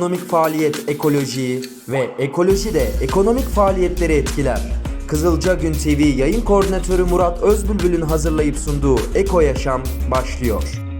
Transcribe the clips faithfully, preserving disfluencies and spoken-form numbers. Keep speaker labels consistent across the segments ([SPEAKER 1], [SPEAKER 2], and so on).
[SPEAKER 1] ekonomik faaliyet ekolojiyi ve ekoloji de ekonomik faaliyetleri etkiler. Kızılca Gün T V yayın koordinatörü Murat Özbülbül'ün hazırlayıp sunduğu Eko Yaşam başlıyor.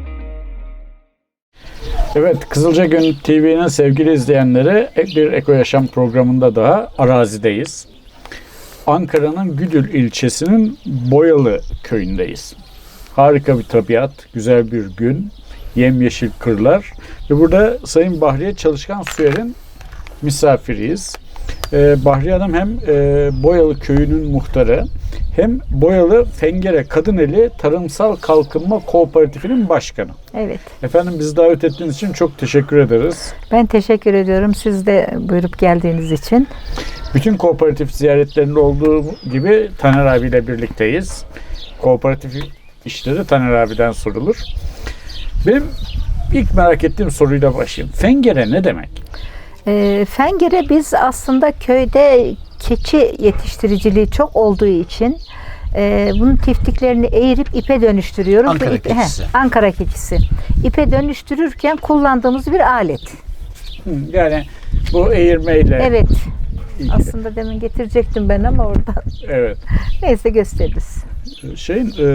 [SPEAKER 2] Evet, Kızılca Gün T V'nin sevgili izleyenleri, bir Eko Yaşam programında daha arazideyiz. Ankara'nın Güdül ilçesinin Boyalı köyündeyiz. Harika bir tabiat, güzel bir gün, yemyeşil kırlar ve burada Sayın Bahriye Çalışkan Suyer'in misafiriyiz. Ee, Bahriye Hanım hem e, Boyalı köyünün muhtarı hem Boyalı Fengere Kadıneli Tarımsal Kalkınma Kooperatifinin başkanı.
[SPEAKER 3] Evet.
[SPEAKER 2] Efendim, bizi davet ettiğiniz için çok teşekkür ederiz.
[SPEAKER 3] Ben teşekkür ediyorum. Siz de buyurup geldiğiniz için.
[SPEAKER 2] Bütün kooperatif ziyaretlerinde olduğu gibi Taner abiyle birlikteyiz. Kooperatif işleri Taner abiden sorulur. Benim ilk merak ettiğim soruyla başlayayım. Fengere ne demek?
[SPEAKER 3] E, Fengere biz aslında köyde keçi yetiştiriciliği çok olduğu için e, bunun tiftiklerini eğirip ipe dönüştürüyoruz.
[SPEAKER 4] Ankara
[SPEAKER 3] İpe,
[SPEAKER 4] keçisi.
[SPEAKER 3] He, Ankara keçisi. İpe dönüştürürken kullandığımız bir alet.
[SPEAKER 2] Hı, yani bu eğirmeyle
[SPEAKER 3] Evet.
[SPEAKER 2] ilgili.
[SPEAKER 3] Aslında demin getirecektim ben ama oradan.
[SPEAKER 2] Evet.
[SPEAKER 3] Neyse gösteririz.
[SPEAKER 2] Şeyin e,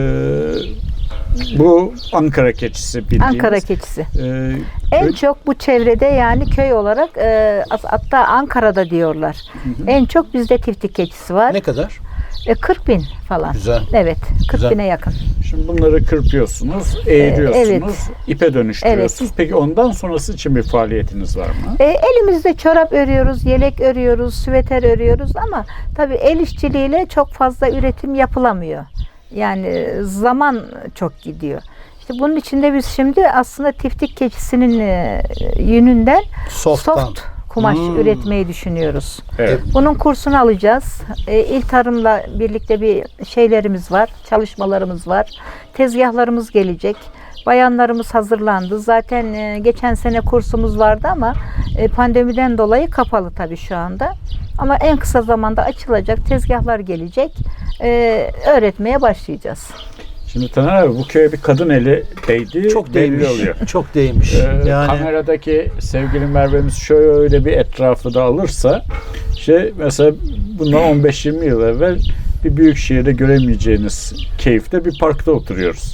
[SPEAKER 2] bu Ankara keçisi bildiğimiz.
[SPEAKER 3] Ankara keçisi.
[SPEAKER 2] E,
[SPEAKER 3] En
[SPEAKER 2] köy-
[SPEAKER 3] çok bu çevrede yani köy olarak e, hatta Ankara'da diyorlar.
[SPEAKER 2] Hı hı.
[SPEAKER 3] En çok bizde tiftik keçisi var.
[SPEAKER 4] Ne kadar?
[SPEAKER 3] E, kırk bin falan.
[SPEAKER 4] Güzel.
[SPEAKER 3] Evet, kırk
[SPEAKER 4] Güzel.
[SPEAKER 3] bine yakın.
[SPEAKER 2] Şimdi bunları kırpıyorsunuz, eğiriyorsunuz,
[SPEAKER 3] evet.
[SPEAKER 2] ipe dönüştürüyorsunuz. Peki ondan sonrası için bir faaliyetiniz var mı?
[SPEAKER 3] E, elimizde çorap örüyoruz, yelek örüyoruz, süveter örüyoruz ama tabii el işçiliğiyle çok fazla üretim yapılamıyor. Yani zaman çok gidiyor. İşte bunun için de biz şimdi aslında tiftik keçisinin e, yününden
[SPEAKER 4] Soft'tan.
[SPEAKER 3] soft kumaş
[SPEAKER 4] Hmm.
[SPEAKER 3] üretmeyi düşünüyoruz.
[SPEAKER 2] Evet.
[SPEAKER 3] Bunun kursunu alacağız. E, İl Tarım'la birlikte bir şeylerimiz var, çalışmalarımız var. Tezgahlarımız gelecek. Bayanlarımız hazırlandı. Zaten e, geçen sene kursumuz vardı ama e, pandemiden dolayı kapalı tabii şu anda. Ama en kısa zamanda açılacak, tezgahlar gelecek. E, öğretmeye başlayacağız.
[SPEAKER 2] Şimdi Taner abi, bu köye bir kadın eli değdi.
[SPEAKER 4] Çok
[SPEAKER 2] belli
[SPEAKER 4] değmiş.
[SPEAKER 2] oluyor.
[SPEAKER 4] Çok değmiş.
[SPEAKER 2] Ee,
[SPEAKER 4] yani
[SPEAKER 2] Kameradaki sevgili Merve'miz şöyle bir etrafı da alırsa, şey mesela bundan on beş yirmi yıl evvel bir büyük şehirde göremeyeceğiniz keyifte bir parkta oturuyoruz.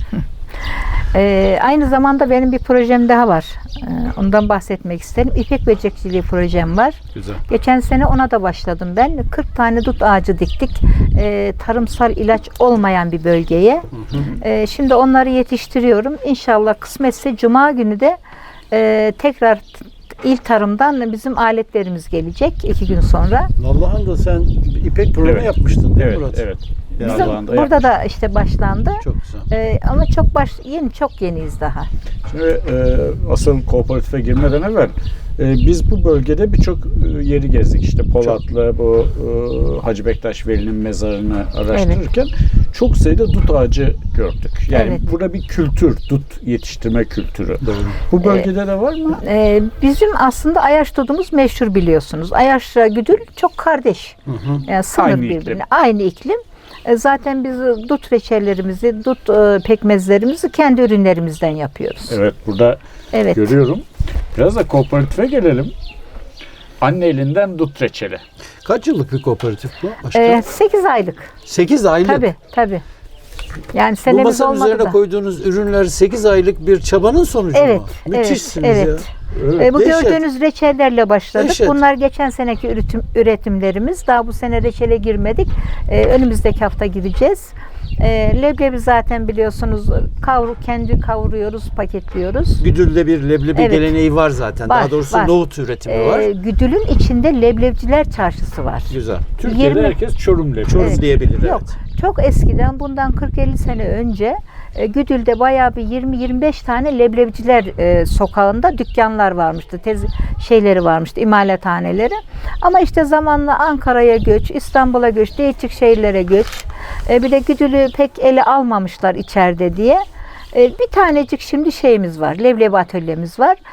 [SPEAKER 3] Ee, aynı zamanda benim bir projem daha var. Ee, ondan bahsetmek isterim. İpek böcekçiliği projem var.
[SPEAKER 4] güzel.
[SPEAKER 3] Geçen sene ona da başladım ben. kırk tane dut ağacı diktik. Ee, tarımsal ilaç olmayan bir bölgeye. Ee, şimdi onları yetiştiriyorum. İnşallah kısmetse Cuma günü de e, tekrar İl Tarım'dan bizim aletlerimiz gelecek iki gün sonra.
[SPEAKER 4] Vallahi da sen ipek programı
[SPEAKER 2] Evet.
[SPEAKER 4] yapmıştın değil mi
[SPEAKER 2] Evet,
[SPEAKER 4] Murat?
[SPEAKER 2] evet.
[SPEAKER 4] Ya,
[SPEAKER 3] Bizim
[SPEAKER 2] Allah'ın da
[SPEAKER 3] burada
[SPEAKER 2] yapmış.
[SPEAKER 3] da işte başlandı.
[SPEAKER 4] Çok güzel.
[SPEAKER 3] Ee, ama çok baş yeni çok yeniyiz daha.
[SPEAKER 2] Şimdi e, asıl kooperatife girmeden evvel e, biz bu bölgede birçok e, yeri gezdik. İşte Polatlı, bu e, Hacı Bektaş Veli'nin mezarını araştırırken çok sayıda dut ağacı gördük. Yani
[SPEAKER 3] Evet.
[SPEAKER 2] burada bir kültür, dut yetiştirme kültürü.
[SPEAKER 4] Doğru.
[SPEAKER 2] Bu bölgede de var mı?
[SPEAKER 3] Ee, bizim aslında Ayaş dudumuz meşhur biliyorsunuz. Ayaş'la Güdül çok kardeş.
[SPEAKER 4] Hı hı.
[SPEAKER 3] Yani sınır
[SPEAKER 2] Aynı
[SPEAKER 3] birbirine.
[SPEAKER 2] iklim.
[SPEAKER 3] Aynı iklim. E, zaten biz dut reçellerimizi, dut e, pekmezlerimizi kendi ürünlerimizden yapıyoruz.
[SPEAKER 2] Evet, burada
[SPEAKER 3] Evet.
[SPEAKER 2] görüyorum. Biraz da kooperatife gelelim. Anne elinden dut reçeli.
[SPEAKER 4] Kaç yıllık bir kooperatif bu? Aşkım?
[SPEAKER 3] E, sekiz aylık.
[SPEAKER 4] sekiz aylık.
[SPEAKER 3] Tabii, tabii. Yani
[SPEAKER 4] Bu
[SPEAKER 3] senemiz
[SPEAKER 4] masanın
[SPEAKER 3] olmadı
[SPEAKER 4] üzerine
[SPEAKER 3] da.
[SPEAKER 4] koyduğunuz ürünler sekiz aylık bir çabanın sonucu
[SPEAKER 3] Evet,
[SPEAKER 4] mu?
[SPEAKER 3] evet,
[SPEAKER 4] Müthişsiniz
[SPEAKER 3] evet.
[SPEAKER 4] ya.
[SPEAKER 2] Evet.
[SPEAKER 3] E, bu
[SPEAKER 4] Dehşet.
[SPEAKER 3] gördüğünüz reçellerle başladık.
[SPEAKER 4] Dehşet.
[SPEAKER 3] Bunlar geçen seneki üretim, üretimlerimiz. Daha bu sene reçele girmedik. E, önümüzdeki hafta gireceğiz. E, leblebi zaten biliyorsunuz kavru, kendi kavuruyoruz, paketliyoruz.
[SPEAKER 4] Güdül'de bir leblebi
[SPEAKER 3] Evet.
[SPEAKER 4] geleneği var zaten.
[SPEAKER 3] Var,
[SPEAKER 4] Daha doğrusu
[SPEAKER 3] var.
[SPEAKER 4] nohut üretimi
[SPEAKER 3] E,
[SPEAKER 4] var.
[SPEAKER 3] Güdül'ün içinde leblebiciler çarşısı var.
[SPEAKER 4] Güzel.
[SPEAKER 2] Türkiye'de
[SPEAKER 3] yirmi
[SPEAKER 2] herkes Çorum leblebi.
[SPEAKER 4] Çorum
[SPEAKER 3] Evet.
[SPEAKER 4] diyebilir.
[SPEAKER 3] Yok.
[SPEAKER 4] Evet.
[SPEAKER 3] Çok eskiden bundan kırk elli sene önce e, Güdül'de bayağı bir yirmi yirmi beş tane leblebiciler e, sokağında dükkanlar varmıştı. Tez şeyleri varmıştı, imalathaneleri. Ama işte zamanla Ankara'ya göç, İstanbul'a göç, değişik şehirlere göç. E, bir de Güdül'ü pek ele almamışlar içeride diye. E, bir tanecik şimdi şeyimiz var, leblebi atölyemiz var.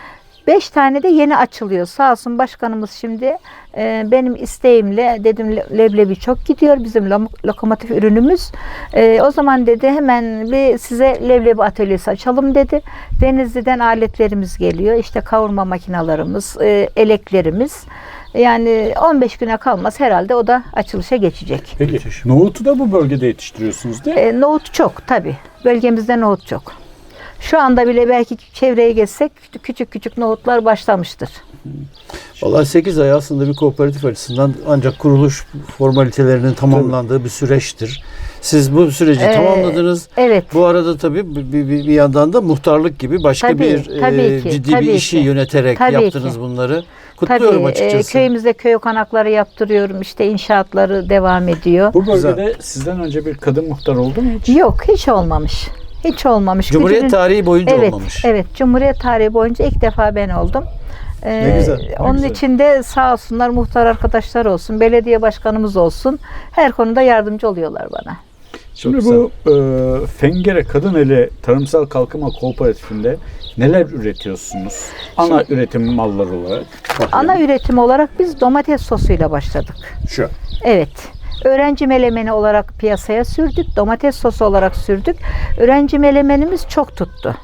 [SPEAKER 3] beş tane de yeni açılıyor. Sağ olsun başkanımız şimdi e, benim isteğimle dedim le- leblebi çok gidiyor bizim lo- lokomotif ürünümüz. E, o zaman dedi hemen bir size leblebi atölyesi açalım dedi. Denizli'den aletlerimiz geliyor. İşte kavurma makinalarımız, e, eleklerimiz. Yani on beş güne kalmaz herhalde o da açılışa geçecek.
[SPEAKER 2] Peki nohutu da bu bölgede yetiştiriyorsunuz değil mi?
[SPEAKER 3] E, nohut çok tabii. Bölgemizde nohut çok. Şu anda bile belki çevreye geçsek küçük küçük nohutlar başlamıştır.
[SPEAKER 4] Vallahi sekiz ay aslında bir kooperatif açısından ancak kuruluş formalitelerinin tamamlandığı bir süreçtir. Siz bu süreci
[SPEAKER 3] Ee,
[SPEAKER 4] tamamladınız.
[SPEAKER 3] Evet.
[SPEAKER 4] Bu arada tabii bir, bir, bir yandan da muhtarlık gibi başka
[SPEAKER 3] Tabii,
[SPEAKER 4] bir
[SPEAKER 3] tabii
[SPEAKER 4] e,
[SPEAKER 3] ki,
[SPEAKER 4] ciddi
[SPEAKER 3] tabii
[SPEAKER 4] bir işi
[SPEAKER 3] ki.
[SPEAKER 4] yöneterek
[SPEAKER 3] Tabii
[SPEAKER 4] yaptınız
[SPEAKER 3] ki.
[SPEAKER 4] bunları. Kutluyorum
[SPEAKER 3] Tabii,
[SPEAKER 4] açıkçası.
[SPEAKER 3] E, köyümüzde köy okanakları yaptırıyorum. İşte inşaatları devam ediyor.
[SPEAKER 2] Bu bölgede sizden önce bir kadın muhtar oldu mu hiç?
[SPEAKER 3] Yok, hiç olmamış. Hiç olmamış.
[SPEAKER 4] Cumhuriyet
[SPEAKER 3] Gücünün-
[SPEAKER 4] tarihi boyunca
[SPEAKER 3] evet,
[SPEAKER 4] olmamış.
[SPEAKER 3] Evet, Cumhuriyet tarihi boyunca ilk defa ben oldum. Ee,
[SPEAKER 4] Ne güzel, ne
[SPEAKER 3] onun
[SPEAKER 2] güzel.
[SPEAKER 3] için de sağ olsunlar muhtar arkadaşlar olsun, belediye başkanımız olsun. Her konuda yardımcı oluyorlar bana.
[SPEAKER 2] Şimdi
[SPEAKER 4] Çok
[SPEAKER 2] bu e, Fengere Kadın Eli Tarımsal Kalkınma Kooperatifinde neler üretiyorsunuz? Ana üretim malları olarak.
[SPEAKER 3] Ana üretim olarak biz domates sosuyla başladık.
[SPEAKER 2] Şu.
[SPEAKER 3] Evet. Öğrenci melemeni olarak piyasaya sürdük. Domates sosu olarak sürdük. Öğrenci melemenimiz çok tuttu.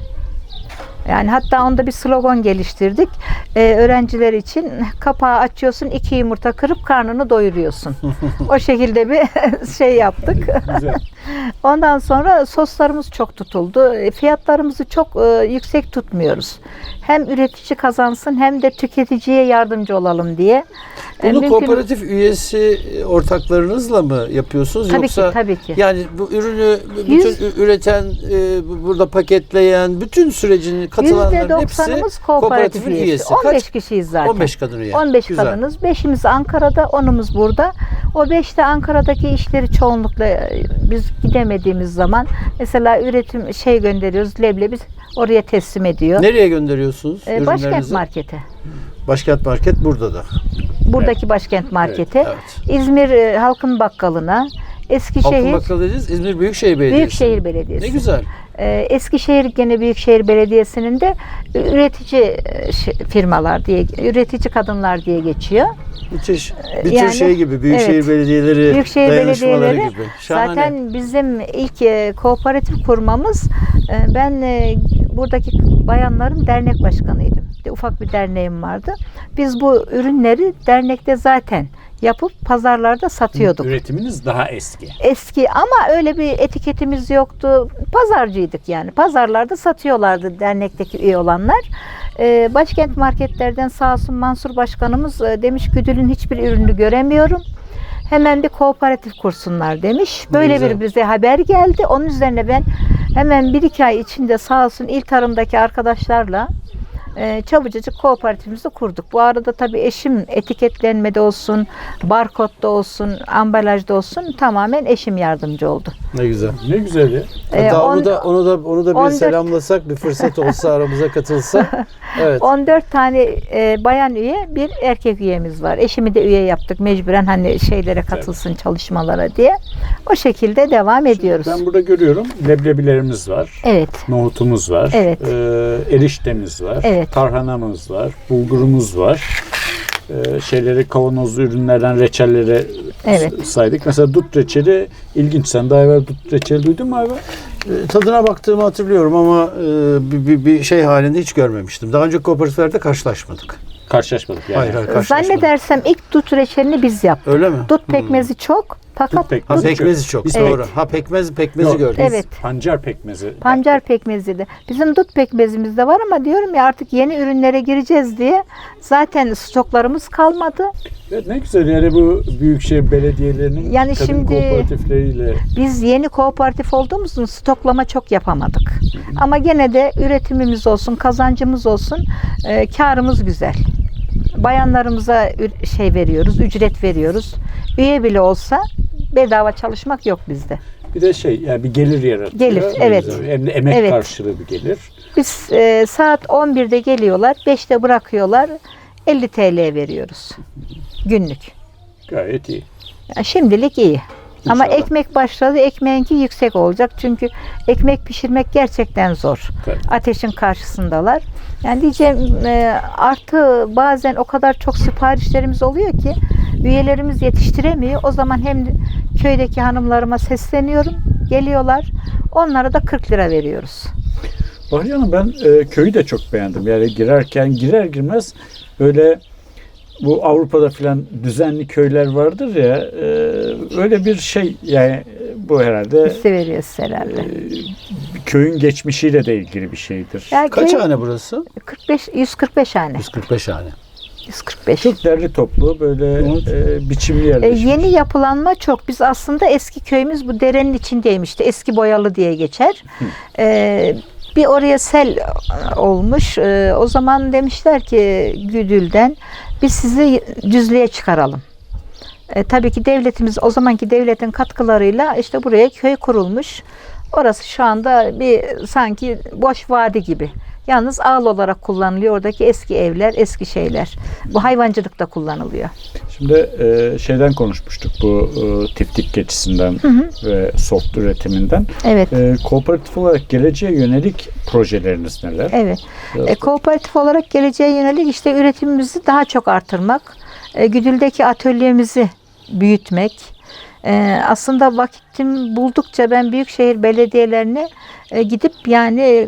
[SPEAKER 3] Yani hatta onda bir slogan geliştirdik. Ee, öğrenciler için kapağı açıyorsun, iki yumurta kırıp karnını doyuruyorsun. O şekilde bir şey yaptık.
[SPEAKER 2] Güzel.
[SPEAKER 3] Ondan sonra soslarımız çok tutuldu. E, Fiyatlarımızı çok e, yüksek tutmuyoruz. Hem üretici kazansın hem de tüketiciye yardımcı olalım diye. E,
[SPEAKER 4] Bunu
[SPEAKER 3] mümkün-
[SPEAKER 4] kooperatif üyesi ortaklarınızla mı yapıyorsunuz?
[SPEAKER 3] Tabii
[SPEAKER 4] Yoksa
[SPEAKER 3] ki, tabii ki.
[SPEAKER 4] yani bu ürünü bütün
[SPEAKER 3] Yüz-
[SPEAKER 4] ü- üreten, e, bu- burada paketleyen, bütün sürecin katılanların
[SPEAKER 3] yüzde
[SPEAKER 4] hepsi
[SPEAKER 3] doksanımız kooperatif
[SPEAKER 4] kooperatifin
[SPEAKER 3] üyesi.
[SPEAKER 4] üyesi.
[SPEAKER 3] on beş
[SPEAKER 4] Kaç?
[SPEAKER 3] kişiyiz zaten.
[SPEAKER 4] on beş kadın üye.
[SPEAKER 3] on beş
[SPEAKER 4] Güzel.
[SPEAKER 3] kadınız. beşimiz Ankara'da, onumuz burada. O beş de Ankara'daki işleri çoğunlukla e, biz gidemediğimiz zaman mesela üretim şey gönderiyoruz, leblebi oraya teslim ediyor.
[SPEAKER 4] Nereye gönderiyorsunuz
[SPEAKER 3] E, Başkent
[SPEAKER 4] ürünlerinizi?
[SPEAKER 3] Market'e.
[SPEAKER 4] Başkent Market burada da.
[SPEAKER 3] Buradaki Başkent Market'e.
[SPEAKER 4] evet.
[SPEAKER 3] İzmir e, Halkın Bakkalı'na.
[SPEAKER 4] Halkın
[SPEAKER 3] Eskişehir
[SPEAKER 4] Bakkalı dediniz, İzmir Büyükşehir Belediyesi.
[SPEAKER 3] Büyükşehir Belediyesi.
[SPEAKER 4] Ne güzel.
[SPEAKER 3] Ee, Eskişehir gene Büyükşehir Belediyesi'nin de üretici e, şey- firmalar diye, üretici kadınlar diye geçiyor.
[SPEAKER 4] Müthiş. Bir
[SPEAKER 3] Yani,
[SPEAKER 4] tür şey gibi, Büyükşehir
[SPEAKER 3] evet.
[SPEAKER 4] Belediyeleri
[SPEAKER 3] Büyükşehir
[SPEAKER 4] dayanışmaları
[SPEAKER 3] belediyeleri
[SPEAKER 4] gibi. Şahane.
[SPEAKER 3] zaten bizim ilk e, kooperatif kurmamız, e, ben e, buradaki bayanların dernek başkanıydım. Bir ufak bir derneğim vardı. Biz bu ürünleri dernekte zaten yapıp pazarlarda satıyorduk.
[SPEAKER 2] Üretiminiz daha eski.
[SPEAKER 3] Eski ama öyle bir etiketimiz yoktu. Pazarcıydık yani. Pazarlarda satıyorlardı dernekteki üye olanlar. Ee, Başkent marketlerden sağ olsun Mansur Başkanımız e, demiş Güdül'ün hiçbir ürünü göremiyorum. Hemen bir kooperatif kursunlar demiş. Böyle
[SPEAKER 4] güzel.
[SPEAKER 3] bir bize haber geldi. Onun üzerine ben hemen bir iki ay içinde sağ olsun İl Tarım'daki arkadaşlarla e, çabucacık kooperatifimizi kurduk. Bu arada tabii eşim etiketlenmede olsun, barkodda olsun, ambalajda olsun tamamen eşim yardımcı oldu.
[SPEAKER 4] Ne güzel.
[SPEAKER 2] Ne güzel ya.
[SPEAKER 3] Ee,
[SPEAKER 4] Hatta
[SPEAKER 3] on-
[SPEAKER 4] onu da onu da onu da bir
[SPEAKER 3] on dört
[SPEAKER 4] selamlasak, bir fırsat olsa aramıza katılsa. Evet.
[SPEAKER 3] on dört tane e, bayan üye, bir erkek üyemiz var. Eşimi de üye yaptık mecburen hani şeylere katılsın çalışmalara diye. O şekilde devam ediyoruz.
[SPEAKER 2] Ben burada görüyorum leblebilerimiz var.
[SPEAKER 3] Evet.
[SPEAKER 2] Nohutumuz var.
[SPEAKER 3] Evet.
[SPEAKER 2] Ee, eriştemiz var.
[SPEAKER 3] Evet.
[SPEAKER 2] Tarhanamız var. Bulgurumuz var. Ee, şeyleri kavanozlu ürünlerden reçellere
[SPEAKER 3] Evet.
[SPEAKER 2] s- saydık. Mesela dut reçeli ilginç. Sen daha evvel dut reçeli duydun mu abi?
[SPEAKER 4] E, Tadına baktığımı hatırlıyorum ama e, bir, bir, bir şey halinde hiç görmemiştim. Daha önce kooperatiflerde karşılaşmadık.
[SPEAKER 2] Karşılaşmadık yani.
[SPEAKER 4] Hayır, hayır karşılaşmadık.
[SPEAKER 3] Zannedersem ilk dut reçelini biz yaptık.
[SPEAKER 4] Öyle mi?
[SPEAKER 3] Dut pekmezi çok fakat
[SPEAKER 2] Dut pekmezi.
[SPEAKER 4] Ha pekmezi çok.
[SPEAKER 2] Biz-
[SPEAKER 4] Doğru.
[SPEAKER 3] Evet.
[SPEAKER 4] Ha pekmez pekmezi
[SPEAKER 2] Yok,
[SPEAKER 4] gördüm.
[SPEAKER 3] Evet.
[SPEAKER 2] Pancar pekmezi.
[SPEAKER 3] pancar pekmezi de. Bizim dut pekmezimiz de var ama diyorum ya artık yeni ürünlere gireceğiz diye zaten stoklarımız kalmadı.
[SPEAKER 2] Evet, ne güzel yani bu büyükşehir belediyelerinin
[SPEAKER 3] Yani
[SPEAKER 2] kadın
[SPEAKER 3] şimdi-
[SPEAKER 2] kooperatifleriyle
[SPEAKER 3] Biz yeni kooperatif olduğumuz için stoklama çok yapamadık. Ama gene de üretimimiz olsun, kazancımız olsun, e, karımız güzel. Bayanlarımıza ü- şey veriyoruz, ücret veriyoruz. Üye bile olsa bedava çalışmak yok bizde.
[SPEAKER 2] bir de şey yani bir gelir yaratıyor.
[SPEAKER 3] Gelir,
[SPEAKER 2] Ne
[SPEAKER 3] evet.
[SPEAKER 2] güzel. Hem de emek
[SPEAKER 3] Evet.
[SPEAKER 2] karşılığı bir gelir.
[SPEAKER 3] Biz e, saat on birde geliyorlar, beşte bırakıyorlar, elli T L veriyoruz günlük.
[SPEAKER 2] Gayet iyi.
[SPEAKER 3] Yani şimdilik iyi. Ama
[SPEAKER 4] İnşallah.
[SPEAKER 3] ekmek başladı, ekmeğinki yüksek olacak. Çünkü ekmek pişirmek gerçekten zor.
[SPEAKER 4] Tabii.
[SPEAKER 3] Ateşin karşısındalar. Yani diyeceğim e, artı bazen o kadar çok siparişlerimiz oluyor ki üyelerimiz yetiştiremiyor. O zaman hem köydeki hanımlarıma sesleniyorum. Geliyorlar. Onlara da kırk lira veriyoruz.
[SPEAKER 2] Bahriye Hanım, ben e, köyü de çok beğendim. Yani girerken girer girmez böyle bu Avrupa'da filan düzenli köyler vardır ya, e, öyle bir şey yani, bu herhalde
[SPEAKER 3] Hissi veriyoruz herhalde.
[SPEAKER 2] e, köyün geçmişiyle de ilgili bir şeydir.
[SPEAKER 3] Yani
[SPEAKER 4] Kaç
[SPEAKER 3] köy-
[SPEAKER 4] hane burası?
[SPEAKER 3] kırk beş, yüz kırk beş hane.
[SPEAKER 4] yüz kırk beş hane.
[SPEAKER 3] yüz kırk beş.
[SPEAKER 2] Çok derli toplu böyle
[SPEAKER 4] Evet.
[SPEAKER 2] e, biçimli
[SPEAKER 3] E,
[SPEAKER 2] yerleşmiş.
[SPEAKER 3] yeni yapılanma çok. Biz aslında eski köyümüz bu derenin içindeymişti. Eski Boyalı diye geçer. E, bir oraya sel olmuş. E, o zaman demişler ki Güdül'den biz sizi Düzlü'ye çıkaralım. E, tabii ki devletimiz, o zamanki devletin katkılarıyla işte buraya köy kurulmuş. Orası şu anda bir sanki boş vadi gibi. Yalnız ağıl olarak kullanılıyor. Oradaki eski evler, eski şeyler. Bu hayvancılıkta kullanılıyor.
[SPEAKER 2] Şimdi e, şeyden konuşmuştuk, bu e, tiftik keçisinden ve soft üretiminden.
[SPEAKER 3] Evet.
[SPEAKER 2] E, kooperatif olarak geleceğe yönelik projeleriniz neler?
[SPEAKER 3] Evet.
[SPEAKER 2] Biraz
[SPEAKER 3] E, kooperatif olarak geleceğe yönelik işte üretimimizi daha çok artırmak, e, Güdül'deki atölyemizi büyütmek. E, aslında vakitim buldukça ben büyükşehir belediyelerine e, gidip yani e,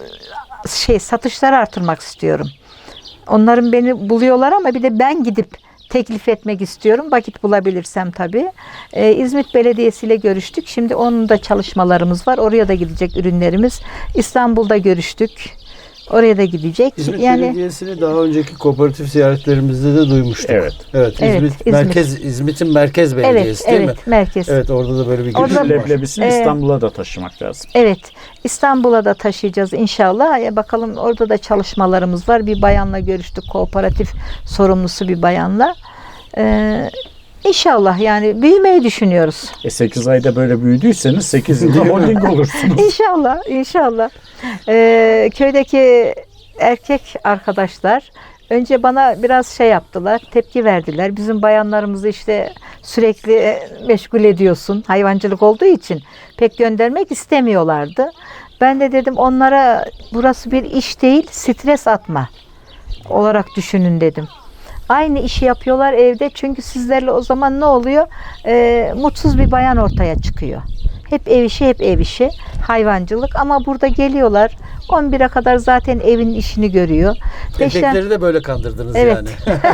[SPEAKER 3] şey satışları artırmak istiyorum. Onların beni buluyorlar ama bir de ben gidip teklif etmek istiyorum. Vakit bulabilirsem tabii. Ee, İzmit Belediyesi ile görüştük. Şimdi onun da çalışmalarımız var. Oraya da gidecek ürünlerimiz. İstanbul'da görüştük. Oraya da gidecek.
[SPEAKER 4] İzmit
[SPEAKER 3] yani
[SPEAKER 4] Belediyesi'ni daha önceki kooperatif ziyaretlerimizde de duymuştuk.
[SPEAKER 2] Evet.
[SPEAKER 4] Evet.
[SPEAKER 3] Evet,
[SPEAKER 4] İzmit,
[SPEAKER 3] İzmit.
[SPEAKER 4] merkez İzmit'in merkez belediyesi
[SPEAKER 3] evet,
[SPEAKER 4] değil
[SPEAKER 3] evet,
[SPEAKER 4] mi?
[SPEAKER 3] merkez.
[SPEAKER 4] Evet, orada da böyle bir
[SPEAKER 3] Orada-
[SPEAKER 4] girişim var.
[SPEAKER 2] Leblebisini
[SPEAKER 3] Ee,
[SPEAKER 2] İstanbul'a da taşımak lazım.
[SPEAKER 3] Evet. İstanbul'a da taşıyacağız inşallah. Ya bakalım, orada da çalışmalarımız var. Bir bayanla görüştük. Kooperatif sorumlusu bir bayanla. Ee, İnşallah yani büyümeyi düşünüyoruz.
[SPEAKER 2] E sekiz ayda böyle büyüdüyseniz sekiz yılda holding olursunuz.
[SPEAKER 3] İnşallah, inşallah. Ee, köydeki erkek arkadaşlar önce bana biraz şey yaptılar, tepki verdiler. Bizim bayanlarımızı işte sürekli e, meşgul ediyorsun, hayvancılık olduğu için pek göndermek istemiyorlardı. Ben de dedim onlara burası bir iş değil, stres atma olarak düşünün dedim. Aynı işi yapıyorlar evde, çünkü sizlerle o zaman ne oluyor? Ee, mutsuz bir bayan ortaya çıkıyor. Hep ev işi, hep ev işi, hayvancılık, ama burada geliyorlar. on bire kadar zaten evin işini görüyor. Beşten,
[SPEAKER 4] Erkekleri de böyle kandırdınız
[SPEAKER 3] Evet.
[SPEAKER 4] yani.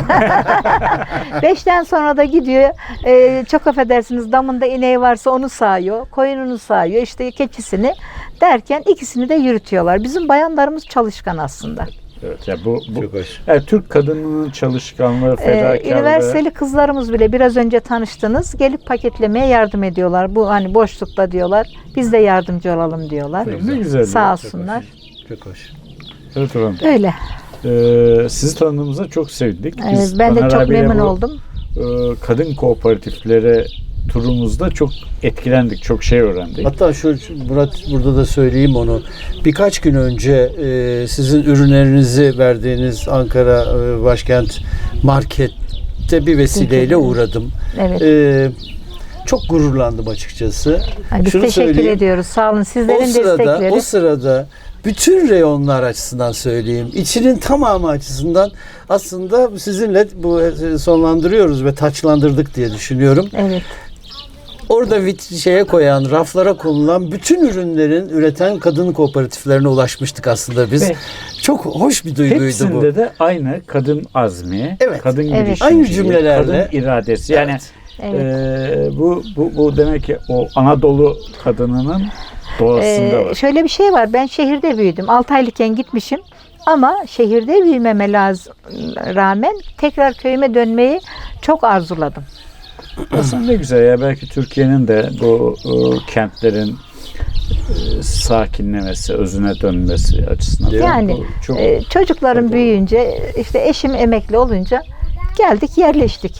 [SPEAKER 3] beşten sonra da gidiyor. Ee, çok affedersiniz, damında ineği varsa onu sağıyor, koyununu sağıyor, işte keçisini derken ikisini de yürütüyorlar. Bizim bayanlarımız çalışkan aslında.
[SPEAKER 2] Evet, ya bu, bu
[SPEAKER 4] Çok hoş.
[SPEAKER 2] yani Türk kadınının çalışkanlığı,
[SPEAKER 3] Ee,
[SPEAKER 2] fedakarlığı.
[SPEAKER 3] üniversiteli kızlarımız bile biraz önce tanıştınız, gelip paketlemeye yardım ediyorlar. Bu hani boşlukta diyorlar, biz de yardımcı olalım diyorlar.
[SPEAKER 2] Ne güzel.
[SPEAKER 3] Sağ
[SPEAKER 2] ya.
[SPEAKER 4] Çok
[SPEAKER 3] olsunlar.
[SPEAKER 4] hoş. Çok hoş.
[SPEAKER 2] Evet efendim.
[SPEAKER 3] Öyle.
[SPEAKER 2] Ee, sizi tanıdığımıza çok sevindik.
[SPEAKER 3] Ee,
[SPEAKER 2] Biz
[SPEAKER 3] ben de
[SPEAKER 2] Taner
[SPEAKER 3] çok
[SPEAKER 2] abiyle
[SPEAKER 3] memnun
[SPEAKER 2] bu,
[SPEAKER 3] oldum.
[SPEAKER 2] e, kadın kooperatiflere turumuzda çok etkilendik, çok şey öğrendik.
[SPEAKER 4] Hatta şu şu Murat, burada da söyleyeyim onu. Birkaç gün önce e, sizin ürünlerinizi verdiğiniz Ankara e, Başkent Market'te bir vesileyle uğradım.
[SPEAKER 3] Evet.
[SPEAKER 4] E, çok gururlandım açıkçası.
[SPEAKER 3] Ay, biz
[SPEAKER 4] Şunu
[SPEAKER 3] teşekkür
[SPEAKER 4] söyleyeyim.
[SPEAKER 3] ediyoruz. Sağ olun. Sizlerin
[SPEAKER 4] O sırada,
[SPEAKER 3] destekleri.
[SPEAKER 4] o sırada bütün reyonlar açısından söyleyeyim, içinin tamamı açısından aslında sizinle bu e, sonlandırıyoruz ve taçlandırdık diye düşünüyorum.
[SPEAKER 3] Evet.
[SPEAKER 4] Orada vit şeye koyan, raflara konulan bütün ürünlerin üreten kadın kooperatiflerine ulaşmıştık aslında biz.
[SPEAKER 2] Ve
[SPEAKER 4] Çok hoş bir duyguydu
[SPEAKER 2] hepsinde
[SPEAKER 4] bu.
[SPEAKER 2] de aynı kadın azmi,
[SPEAKER 4] Evet.
[SPEAKER 2] kadın
[SPEAKER 3] Evet.
[SPEAKER 2] girişimciliği,
[SPEAKER 4] Aynı cümlelerle.
[SPEAKER 2] kadın iradesi. Yani
[SPEAKER 4] Evet.
[SPEAKER 3] Evet.
[SPEAKER 2] e, bu, bu, bu demek ki o Anadolu kadınının doğasında
[SPEAKER 3] Ee,
[SPEAKER 2] var.
[SPEAKER 3] şöyle bir şey var. Ben şehirde büyüdüm. altı aylıkken gitmişim. Ama şehirde büyümeme lazım, rağmen tekrar köyüme dönmeyi çok arzuladım.
[SPEAKER 2] Aslında ne güzel ya, belki Türkiye'nin de bu e, kentlerin e, sakinlemesi, özüne dönmesi açısından.
[SPEAKER 3] Yani
[SPEAKER 2] bu çok
[SPEAKER 3] e, çocuklarım
[SPEAKER 2] faydalı.
[SPEAKER 3] büyüyünce, işte eşim emekli olunca geldik, yerleştik.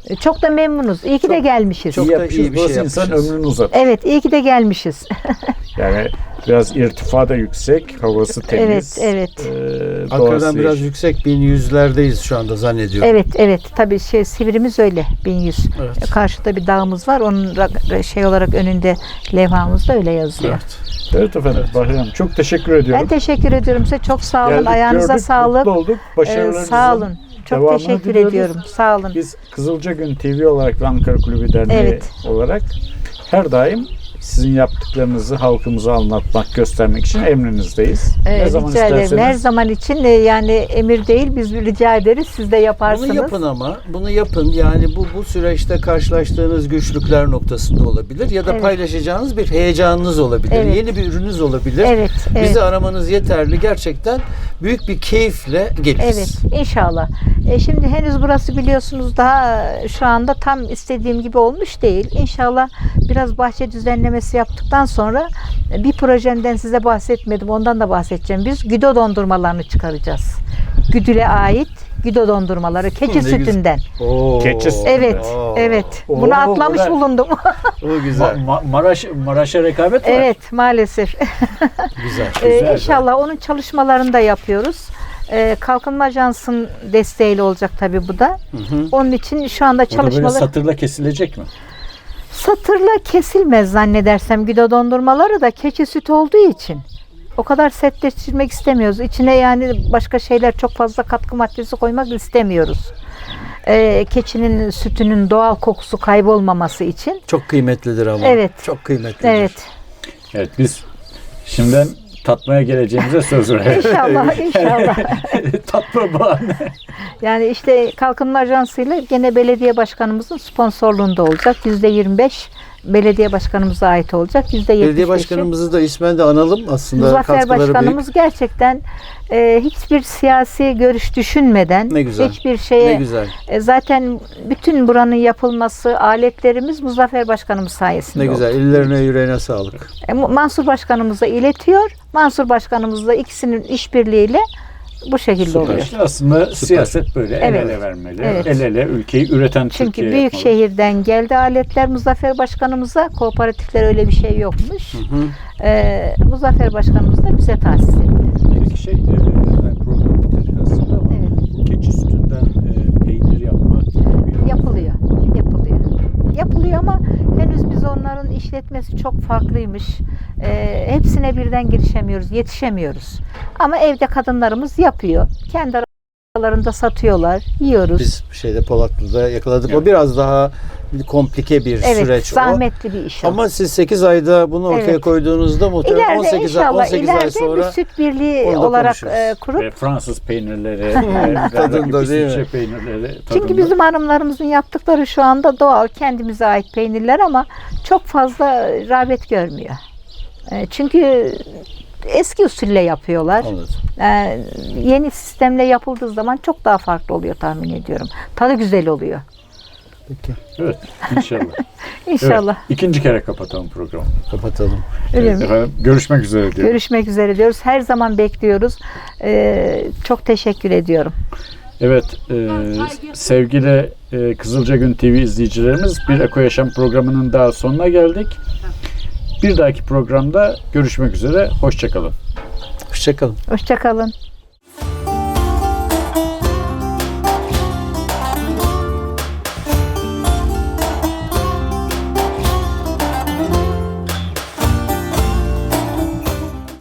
[SPEAKER 3] E, Çok da memnunuz. İyi ki de gelmişiz.
[SPEAKER 4] çok
[SPEAKER 2] İyi
[SPEAKER 4] da
[SPEAKER 2] yapmışız.
[SPEAKER 4] iyi bir
[SPEAKER 2] Burası
[SPEAKER 4] şey
[SPEAKER 2] insan
[SPEAKER 4] yapmışız.
[SPEAKER 2] ömrünü uzatır.
[SPEAKER 3] Evet, iyi ki de gelmişiz.
[SPEAKER 2] Yani biraz irtifa da yüksek, havası temiz.
[SPEAKER 3] Evet, evet.
[SPEAKER 2] e,
[SPEAKER 4] Ankara'dan
[SPEAKER 2] doğası
[SPEAKER 4] biraz
[SPEAKER 2] yeşil.
[SPEAKER 4] yüksek bin yüzlerdeyiz şu anda zannediyorum.
[SPEAKER 3] Evet, evet. Tabii şey Sivrimiz öyle bin yüz.
[SPEAKER 4] Evet.
[SPEAKER 3] Karşıda bir dağımız var. Onun ra- şey olarak önünde levhamızda öyle yazıyor.
[SPEAKER 4] Evet.
[SPEAKER 2] Evet efendim. Bahriye Hanım, çok teşekkür ediyorum.
[SPEAKER 3] Ben teşekkür ediyorum size. Çok sağ olun.
[SPEAKER 2] Geldik,
[SPEAKER 3] Ayağınıza
[SPEAKER 2] gördük,
[SPEAKER 3] sağlık.
[SPEAKER 2] mutlu olduk.
[SPEAKER 3] Ee,
[SPEAKER 2] Başarılarınızın
[SPEAKER 3] sağ olun. Çok
[SPEAKER 2] devamını
[SPEAKER 3] teşekkür
[SPEAKER 2] diliyoruz.
[SPEAKER 3] ediyorum. Sağ olun.
[SPEAKER 2] Biz Kızılca Gün T V olarak ve Ankara Kulübü Derneği
[SPEAKER 3] Evet.
[SPEAKER 2] olarak her daim sizin yaptıklarınızı halkımıza anlatmak, göstermek için emrinizdeyiz.
[SPEAKER 3] Ee,
[SPEAKER 2] ne zaman
[SPEAKER 3] rica ederim.
[SPEAKER 2] isterseniz.
[SPEAKER 3] Her zaman için e, yani emir değil, biz rica ederiz. Siz de yaparsınız.
[SPEAKER 4] Bunu yapın ama bunu yapın. Yani bu bu süreçte karşılaştığınız güçlükler noktasında olabilir ya da
[SPEAKER 3] Evet.
[SPEAKER 4] paylaşacağınız bir heyecanınız olabilir.
[SPEAKER 3] Evet.
[SPEAKER 4] Yeni bir ürününüz olabilir.
[SPEAKER 3] Evet, evet.
[SPEAKER 4] Bizi aramanız yeterli. Gerçekten büyük bir keyifle geliriz.
[SPEAKER 3] Evet, inşallah. E, şimdi henüz burası biliyorsunuz daha e, şu anda tam istediğim gibi olmuş değil. İnşallah biraz bahçe düzenlemesi yaptıktan sonra e, bir projemden size bahsetmedim. Ondan da bahsedeceğim. Biz güdo dondurmalarını çıkaracağız. Güdüle ait güdo dondurmaları keçi
[SPEAKER 4] Ne güzel.
[SPEAKER 3] sütünden.
[SPEAKER 4] Oo.
[SPEAKER 2] Keçi sütü.
[SPEAKER 3] Evet,
[SPEAKER 4] Oo.
[SPEAKER 3] evet.
[SPEAKER 2] Oo,
[SPEAKER 3] Bunu atlamış
[SPEAKER 2] güzel.
[SPEAKER 3] bulundum.
[SPEAKER 4] O güzel.
[SPEAKER 2] Ma- Ma- Maraş Maraş'a rekabet var.
[SPEAKER 3] Evet, maalesef.
[SPEAKER 4] Güzel.
[SPEAKER 3] Ee,
[SPEAKER 2] Güzel,
[SPEAKER 3] inşallah onun çalışmalarını da yapıyoruz. Ee, Kalkınma Ajansı'nın desteğiyle olacak tabii bu da. Onun için şu anda
[SPEAKER 2] O da böyle
[SPEAKER 3] çalışmalar
[SPEAKER 2] satırla kesilecek mi?
[SPEAKER 3] satırla kesilmez zannedersem güdo dondurmaları da keçi sütü olduğu için. O kadar sertleştirmek istemiyoruz. İçine yani başka şeyler çok fazla katkı maddesi koymak istemiyoruz. Ee, keçinin sütünün doğal kokusu kaybolmaması için.
[SPEAKER 4] Çok kıymetlidir ama.
[SPEAKER 3] Evet.
[SPEAKER 4] Çok kıymetlidir.
[SPEAKER 3] Evet.
[SPEAKER 2] Evet, biz şimdiden tatmaya geleceğimize söz verelim.
[SPEAKER 3] İnşallah, inşallah.
[SPEAKER 2] Tatma bahane.
[SPEAKER 3] Yani işte Kalkınma Ajansı ile gene belediye başkanımızın sponsorluğunda olacak. yüzde yirmi beş belediye başkanımıza ait olacak. yüzde yetmiş beşi
[SPEAKER 4] Belediye başkanımızı da ismen de analım aslında.
[SPEAKER 3] Muzaffer
[SPEAKER 4] katkıları
[SPEAKER 3] Başkanımız
[SPEAKER 4] büyük.
[SPEAKER 3] gerçekten e, hiçbir siyasi görüş düşünmeden
[SPEAKER 4] Ne güzel.
[SPEAKER 3] hiçbir şeye
[SPEAKER 4] Ne güzel.
[SPEAKER 3] e, zaten bütün buranın yapılması aletlerimiz Muzaffer Başkanımız sayesinde
[SPEAKER 4] Ne
[SPEAKER 3] oldu.
[SPEAKER 4] güzel. Ellerine yüreğine sağlık.
[SPEAKER 3] E, Mansur Başkanımıza iletiyor. Mansur Başkanımızla ikisinin işbirliğiyle bu şekilde oluyor.
[SPEAKER 2] İşte aslında siyaset böyle el
[SPEAKER 3] Evet.
[SPEAKER 2] ele vermeli.
[SPEAKER 3] Evet.
[SPEAKER 2] El ele ülkeyi üreten
[SPEAKER 3] Çünkü
[SPEAKER 2] Türkiye
[SPEAKER 3] büyük
[SPEAKER 2] yapmalı.
[SPEAKER 3] şehirden geldi aletler Muzaffer Başkanımıza. Kooperatifler öyle bir şey yokmuş. Ee, Muzaffer Başkanımız da bize tahsis etti.
[SPEAKER 2] Bir şey, e, yani program bitirdik aslında ama
[SPEAKER 3] Evet.
[SPEAKER 2] keçi sütünden e, peynir yapmak gibi.
[SPEAKER 3] Yapılıyor. Yapılıyor. Yapılıyor ama henüz biz onların işletmesi çok farklıymış. Ee, hepsine birden girişemiyoruz, yetişemiyoruz. Ama evde kadınlarımız yapıyor. Kendi aralarında satıyorlar, yiyoruz.
[SPEAKER 4] Biz şeyde Polatlı'da yakaladık.
[SPEAKER 2] Evet.
[SPEAKER 4] O biraz daha komplike bir
[SPEAKER 3] evet,
[SPEAKER 4] süreç o.
[SPEAKER 3] zahmetli bir iş o.
[SPEAKER 4] Ama siz sekiz ayda bunu ortaya
[SPEAKER 3] Evet.
[SPEAKER 4] koyduğunuzda muhtemelen
[SPEAKER 3] İleride
[SPEAKER 4] on sekiz, ay,
[SPEAKER 3] inşallah
[SPEAKER 4] on sekiz ay
[SPEAKER 3] ileride
[SPEAKER 4] sonra
[SPEAKER 3] bir süt birliği
[SPEAKER 4] onu da
[SPEAKER 3] olarak
[SPEAKER 4] konuşuruz.
[SPEAKER 3] e, kurup
[SPEAKER 2] Ve Fransız peynirleri, e,
[SPEAKER 4] Tadında
[SPEAKER 2] rakip
[SPEAKER 4] değil mi?
[SPEAKER 2] İsviçre peynirleri
[SPEAKER 3] çünkü
[SPEAKER 2] tadında.
[SPEAKER 3] bizim hanımlarımızın yaptıkları şu anda doğal, kendimize ait peynirler ama çok fazla rağbet görmüyor. E, Çünkü eski usulle yapıyorlar.
[SPEAKER 4] Anladım.
[SPEAKER 3] E, Yeni sistemle yapıldığı zaman çok daha farklı oluyor tahmin ediyorum. Tadı güzel oluyor.
[SPEAKER 4] Peki.
[SPEAKER 2] Evet, inşallah.
[SPEAKER 3] İnşallah.
[SPEAKER 2] Evet, ikinci kere kapatalım programı.
[SPEAKER 4] Kapatalım.
[SPEAKER 3] Öyle
[SPEAKER 2] Evet,
[SPEAKER 3] mi?
[SPEAKER 2] efendim, görüşmek üzere diyorum.
[SPEAKER 3] Görüşmek üzere diyoruz. Her zaman bekliyoruz. E, çok teşekkür ediyorum.
[SPEAKER 2] Evet, e, sevgili e, Kızılca Gün T V izleyicilerimiz, bir Eko Yaşam programının daha sonuna geldik. Bir dahaki programda görüşmek üzere, hoşça kalın.
[SPEAKER 4] Hoşça kalın.
[SPEAKER 3] Hoşça kalın.